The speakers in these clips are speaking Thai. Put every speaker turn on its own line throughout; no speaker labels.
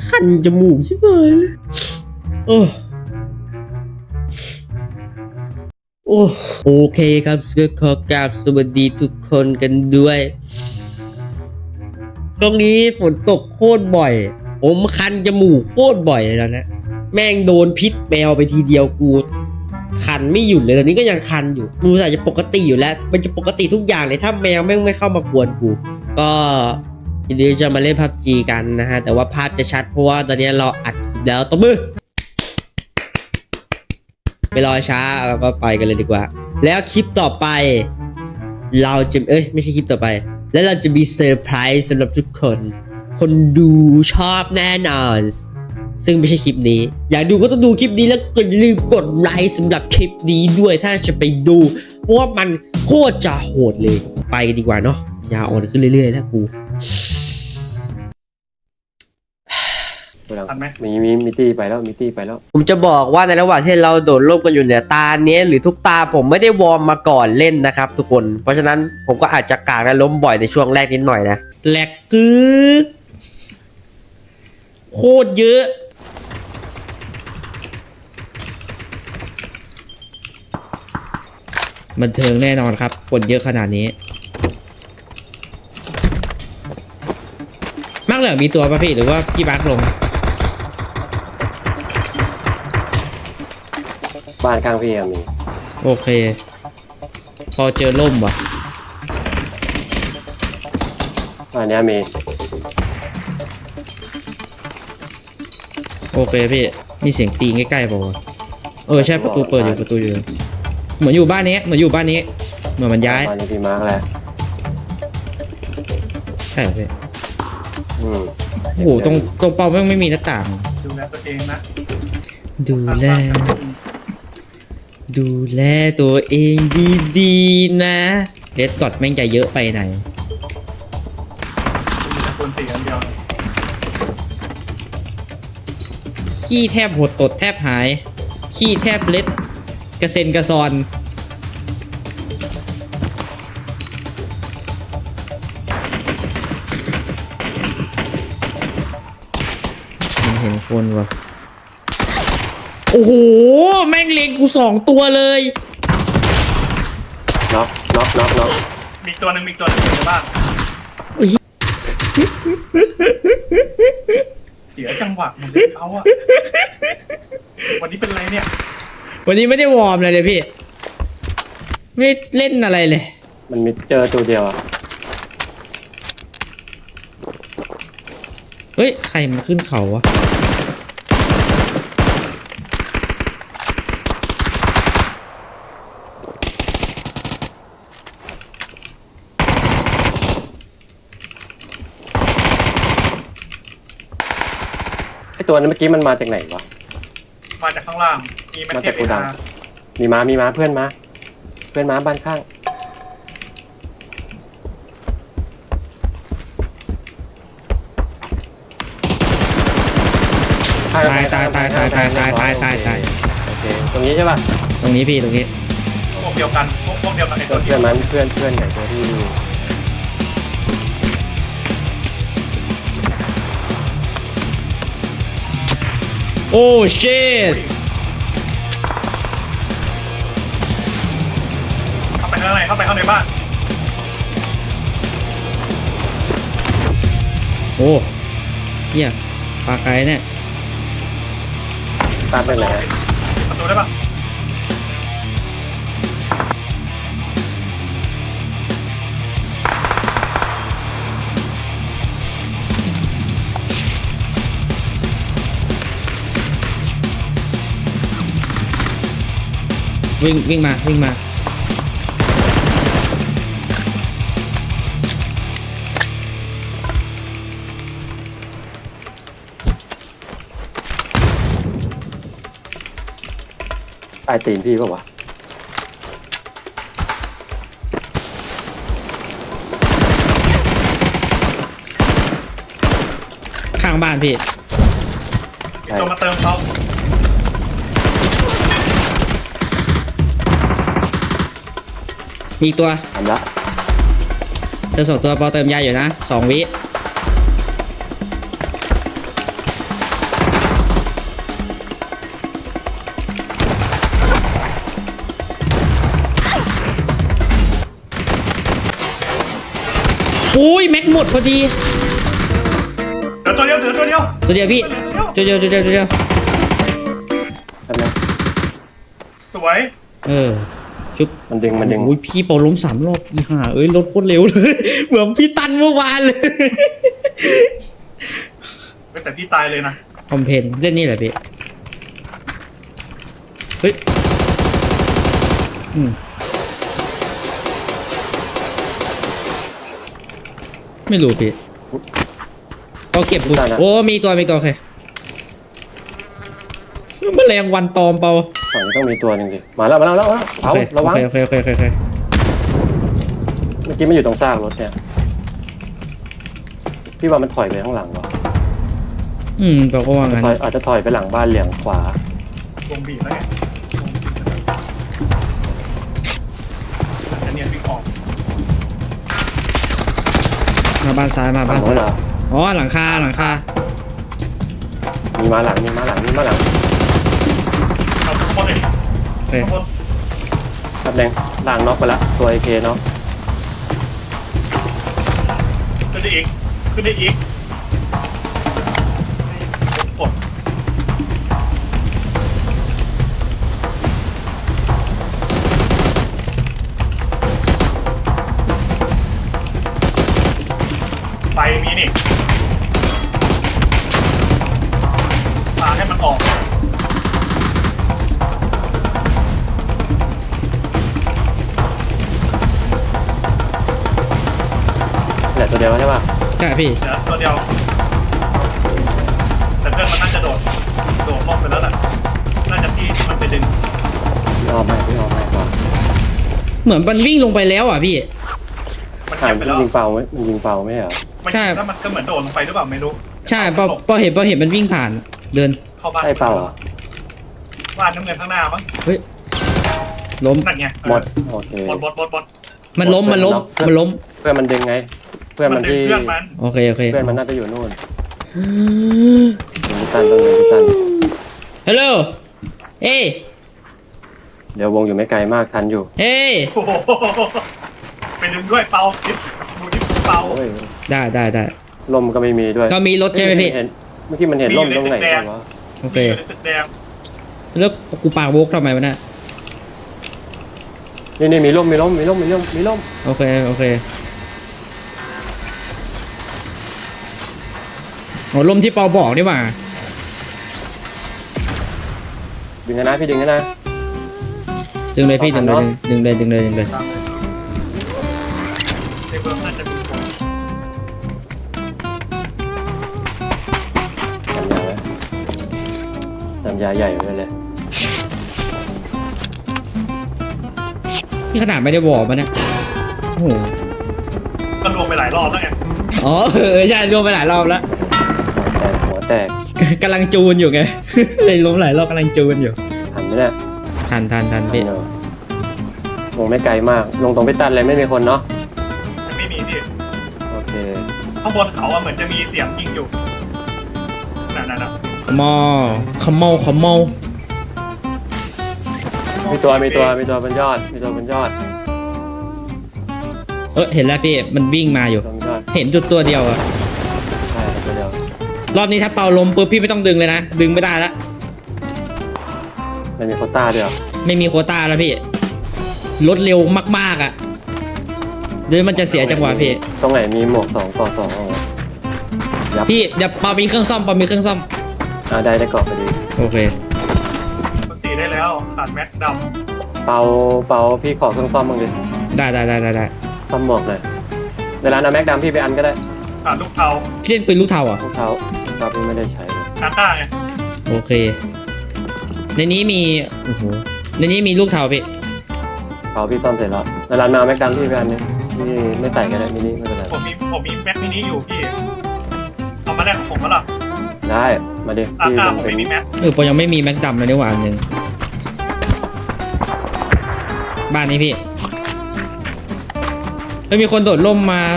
คันจมูกใช่ไหมเลยโอ้โอเคครับก็ขอกราบสวัสดีทุกคนกันด้วยตรงนี้ฝนตกโคตรบ่อยผมคันจมูกโคตรบ่อยเลยแล้วนะแม่งโดนพิษแมวไปทีเดียวกูคันไม่หยุดเลยตอนนี้ก็ยังคันอยู่กูอาจจะปกติอยู่แล้วมันจะปกติทุกอย่างเลยถ้าแมวแม่งไม่เข้ามากวนกูก็ทีนี้จะมาเล่นพับจีกันนะฮะแต่ว่าภาพจะชัดเพราะว่าตอนนี้เราอัดคลิปแล้วตบมือไม่รอช้าเราก็ไปกันเลยดีกว่าแล้วคลิปต่อไปเราจะไม่ใช่คลิปต่อไปแล้วเราจะมีเซอร์ไพรส์สำหรับทุกคนคนดูชอบแน่นอนซึ่งไม่ใช่คลิปนี้อยากดูก็ต้องดูคลิปนี้แล้วก็อย่าลืมกดไลค์สำหรับคลิปนี้ด้วยถ้าจะไปดูเพราะว่ามันโคตรจะโหดเลยไปกันดีกว่าเนาะยาวอ่อนขึ้นเรื่อยๆแล้วกู
มีตี้ไปแล้วมีตี้ไปแล้ว
ผมจะบอกว่าในระหว่างที่เราโดดร่มกันอยู่เนี่ยตาเนี้ยหรือทุกตาผมไม่ได้วอร์มมาก่อนเล่นนะครับทุกคนเพราะฉะนั้นผมก็อาจจะกากและล้มบ่อยในช่วงแรกนิดหน่อยนะแหลกกึกโคตรเยอะบันเทิงแน่นอนครับคนเยอะขนาดนี้มักเหลือมีตัวป่ะพี่หรือว่าพี่บักลง
บ้านข้างพี่มี
โอเคพอเจอล่มว่ะ
บ้านนี้มี
โอเคพี่มีเสียงตีใกล้ๆป่ะใช่ประตูเปิดอยู่ประตูอยู่เหมือนอยู่บ้านนี้เหมือนมันย้าย
บ้านนี้พี่มาร์กแหละ
ใช่พี่โอ้โหตรงเป้าไม่มีหน้าต่าง
ดูแลตัวเองนะ
ดูแลตัวเองดีๆนะเลดกอดแม่งจะเยอะไปไหน
คนสี่อันเดียว
ขี้แทบหดตดแทบหายขี้แทบเล็ดกระเซ็นกระซอนมันเห็นคนวะโอ้โหแม่งเล็งกู2 ตัวเลย
น็อก
มีตัวหนึ่งในบ้านเสียจังหวะมันเลยเอาอะวันนี้เป็นไรเนี่ย
วันนี้ไม่ได้วอร์มเลยพี่ไม่เล่นอะไรเลย
มันมีเจอตัวเดียวอะ
เฮ้ยใครมาขึ้นเขาวะ
ไอตัวนั้นเมื่อกี้มันมาจากไหนวะ
มาจากข้างล่างมีแม็กเก็ต
มีม้าเพื่อนม้าบ้านข้าง
ตาย
โอเคตรงนี้ใช่ป่ะ
ตรงนี้พี่ตรงนี้
พวกเดียวกันไอ้ตัว
เพื่อนมันเพื่อนไหนตัวที่
โอ้ชิต
เข้าไปข้างในบ้าน
โอ้เหี้ยปลาไก่เนี่ย
ตามไปไหน
ประตูได้ปะ
วิ่งมา
ใต้ตีนพี่ป่าววะ
ข้างบ้านพี่
มีตัวมาเติมเขา
มีตัว
ทำละ
เติม2 ตัวพอเติมยาอยู่นะ2 วิหมดพอดี
เดี๋ยวตัวเดียว
ตัวเดียวพี่ตัวเดียว
แป๊บนึง
สวย
ชุบ
มันดึง
โอ้ยพี่เปาล้ม3 รอบอีห่าเอ้ยรถโคตรเร็วเลย เหมือนพี่ตันเมื่อวานเลย
แต่พี่ตายเลยนะ
คอมเพนเล่นนี่แหละพี่เฮ้ยไม่รู้พี่ก็เก็บกูโอ้มีตัวโอเคแมลงวันตอมเปล่า
ฝั่งนี้ต้องมีตัวหนึ่งดิมาแล้วเอาระวัง
โอเค
เมื่อกี้มันอยู่ตรงซากรถเนี่ยพี่ว่ามันถอยไปข้างหลังวะ
แปลว่างั้น
อาจจะถอยไปหลังบ้านเหลี่ยงขวาว
งบีบแล้วไงจะเนียนวิ่งออก
มาบ้านซ้ายมาบ้าน
ฝั่งโน้นเหรอ
อ๋อหลังคา
มีมาหลัง
เอาทุกคนเลย
โอเค
ทุกคน
แป๊บนึงล่างน็อกไปแล้วตัว AK เนาะ
ขึ้นได้อีกกดไฟมีนี่ปาให้มันออก
เหลือตัวเดียวใช่ป่ะ
ใช่พี่
เดี๋ยวตัวเดียวแต่เพื่อนมันน่าจะโดดลงไปแล้วแหละน่าจะที่มันไปดึง
พี่ออมให้ก่อน
เหมือนมันวิ่งลงไปแล้วอ่ะพี่
มัน
อ่า
เก็บ
น
ไปแล้ว
ยิงเป่าไม่เหรอ
มัน
ใช่
แล้วมันก็เหมือนโดดลงไปหรือเปล่าไม่รู้
ใช่พอเห็นมันวิ่งผ่านเดิน
เข้าบ้าน
ใช่เป่าเหรอ
บ้านน้ำเงินข้างหน้ามั้ง
เฮ้ยล้ม
นั่นไง
หมดโอเค
บด
มันล้ม
เพื่อนมันดึงไง เพื่อนมัน
ดึง
ที่
เครื่องมัน
โอเค
เพื่อนมันน่าจะอยู่นู่นพี่ตัน
ฮัลโหลเฮ้ย
เดี๋ยววงอยู่ไม่ไกลมากทันอยู่
เฮ้ย
โอ้โหไปดึงด้วยเปาดิดูดิเปา
โอ้ย
ได้
ลมก็ไม่มีด้วย
ก็มีรถใช่ไหมพี่
เมื่อกี้มันเห็นลมตรงไหนวะ
โอเค
อยู่ในตึกแดง
แล้วกูปากโวกทำไมวะเนี่ย
นี่มีลม
โอเคโอ้ลมที่เปาบอกนี่หว่า
ดึงนะพี่ดึงนะ
ดึงเลยพี่ดึงเลย
ตามเลยในเบื้องน่าจะมีคน
สัญญาใหญ่เลย
นี่ขนาดไม่ได้บอกมันนะโอ้โห
ก็รวมไปหลายรอบแล้วไง
อ๋อใช่รวมไปหลายรอบแล้ว
หัวแตก
กำลังจูนอยู่ไง เลยล้มหลายรอบกำลังจูนอยู่
หันไหมเนี่ย
ทันพี่
วงไม่ไกลมาก ลงตรงไปตันเลยไม่มีคนเนาะ
มันไม่มีที่
โอเค
ข้างบนเขาอะเหมือนจะมีเสียงยิงอยู่นั่น
ขมอ
มีตัวบนยอด
เห็นแล้วพี่มันวิ่งมาอยู่
บนยอด
เห็นจุดตัวเดียวอะ
ใช่ตัวเดียว
รอบนี้ถ้าเป่าลมปุ๊บพี่ไม่ต้องดึงเลยนะดึงไม่ได้ละ
มันมีโควต้าด้วยเหรอ
ไม่มีโควต้าแล้วพี่รถเร็วมากๆอ่ะเดี๋ยวมันจะเสียจังหวะพี่
ตรงไหนมีหมวก2 ต่อ 2เอายับ
พี่เดี๋ยวเปามีเครื่องซ่อม
ได้เกาะพอดี
โอเค
มันสีได้แล้วขาดแม็กด
เปาพี่ขอเครื่องซ่อมมึงดิ
ได้
ซ่อมหมวกหน่อยเวลานะแม็กดำพี่ไปอันก็ได้
ำขาดลูกเทา
พี่เล่นปืนลูกเทาอ่ะ
รองเท้าพี่ไม่ได้ใช้เลย
อาต้าไง
โอเคในนี้มีโอ้โหในนี้มีลูกเทาพี่
เปาพี่ซ่อมเสร็จแล้วเวลามาแม็กดำพี่ไปอันนึงพี่ไม่ใส่ก็ได้มินิไม่เป็นไร
ผมมีแม็กมินิอยู่พี่เอามาแลกของผมก็ล่ะ
ได้มาดิ
อา
พี่
ต้า
ลง
ผม
เป็น
ไม่มีแม็ก
ปอยังไม่มีแม็กดัมเลยนี่หว่าอันหนึ่งบ้านนี้พี่ไม่มีคนโดดร่มมา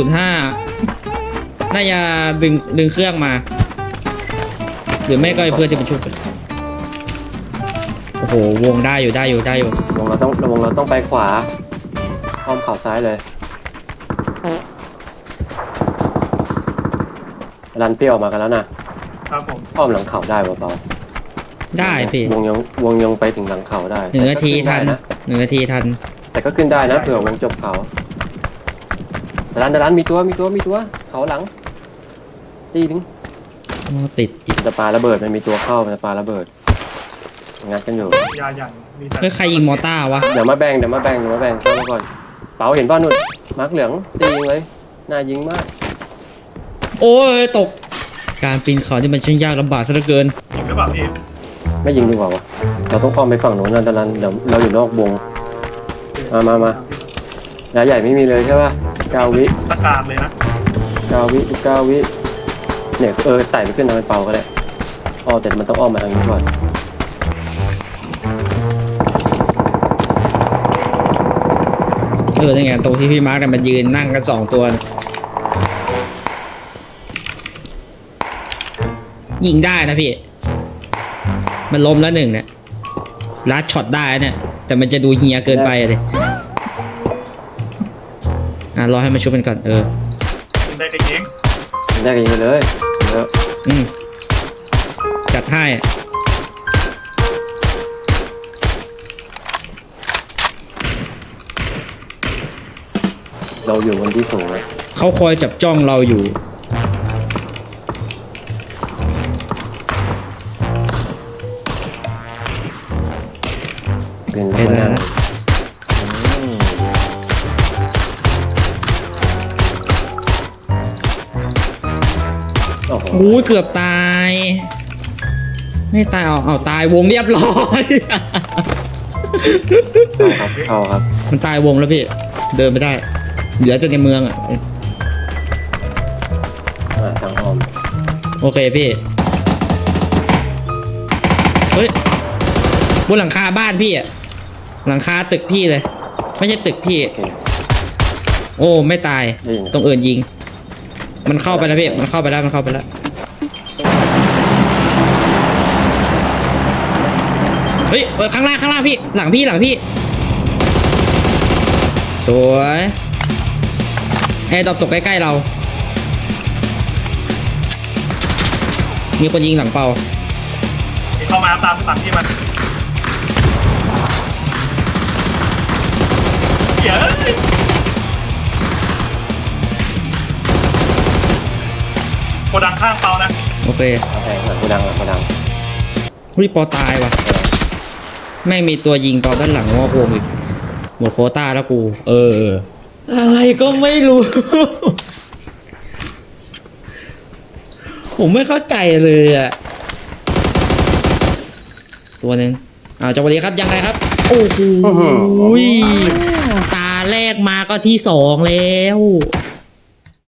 305น่าจะดึงเครื่องมา หรือไม่ก็ไอ้เพื่อนที่มันชุบกันโอ้โหวงได้อยู่
วงเราต้องไปขวาอ้อมเข่าซ้ายเลยรันพี่ออกมากันแล้วนะครับ
ผม
อ้อมหลังเขาได้เปล่า
ได้พี่
วงยังไปถึงหลังเขาได้
หนึ่งนาทีทัน
แต่ก็ขึ้ได้ะ
1 นาทีทัน
แต่ก็ขึ้นได้นะเผื่อวงจบเขาดันมีตัวเขาหลังตีนึง
โอ้ติดอีก
มันจะปาระเบิดมันมีตัวเข้ามันจะปาระเบิดงัดกันอยู่
ยาอย่างมีแต่
เฮ้ยใครยิงมอต้าวะ
เดี๋ยวมาแบ่งเข้ามาก่อนเป๋าเห็นป่ะนุ่นมาร์กเหลืองตียิงเลยน่ายิงมาก
โอ้ยตก การปีนเขาที่มันช่างยากลำบากซะเหลือเกิน
จริงหรือเปล่าพี่
ไม่ยิงดีกว่าวะเราต้องอ้อมไปฝั่งโน้นนะตอนนั้นเดี๋ยวเราอยู่นอกวงมายาใหญ่ไม่มีเลยใช่ป่ะ9 วิ
ตะการเลยนะ
9 วิเนี่ยใส่ไปขึ้นทางเป็นเปาก็ได้แต่มันต้องอ้อมมาทางนี้ก่อน
นี่ไงตรงที่พี่มาร์กเนี่ยมันยืนนั่งกัน2 ตัวนะยิงได้นะพี่ มันล้มแล้ว1เนี่ยลัดช็อตได้เนี่ย แต่มันจะดูเฮียเกินไปเลยรอให้มันชุบกันก่อน
ยิงได้ก็ยิง
ได้กันยิงไปเลยเยอะ
จัดให้
เราอยู่บนที่สูงเลย
เขาคอยจับจ้องเราอยู่
เป็น
เป็นแล้วนะ
โอ้โห
โอ้ยเกือบตาย ไม่ตายเอาตายวงเรียบร้อย
เข้าครับ
มันตายวงแล้วพี่ เดินไม่ได้ เหลือแต่ในเมืองอ่ะ
ทางอ้อม
โอเคพี่ เฮ้ยบนหลังคาบ้านพี่อ่ะ หลังคาตึกพี่เลย ไม่ใช่ตึกพี่
โอเค
โอ้ไม่ตาย
ยิง
ตรงอื่นยิง มันเข้าไปแล้วพี่ มันเข้าไปแล้ว เฮ้ยข้างล่างพี่ หลังพี่ สวยแอร์ดรอปตกใกล้ๆเรา มีคนยิงหลังเปา
ที่เข้ามาตามสั่งที่มันเดี๋ยวโกดังข้างเปานะ
โอเค
แทงหลังกูดัง
วิปอตายว่ะ ไม่มีตัวยิงเปาด้านหลังว่าโกงอีกหมดโควต้าแล้วกู อะไรก็ไม่รู้ ผมไม่เข้าใจเลยอ่ะ ตัวหนึ่งจังหวะนี้ครับยังไงครับ โอ้โหตาแรกมาก็ที่2แล้ว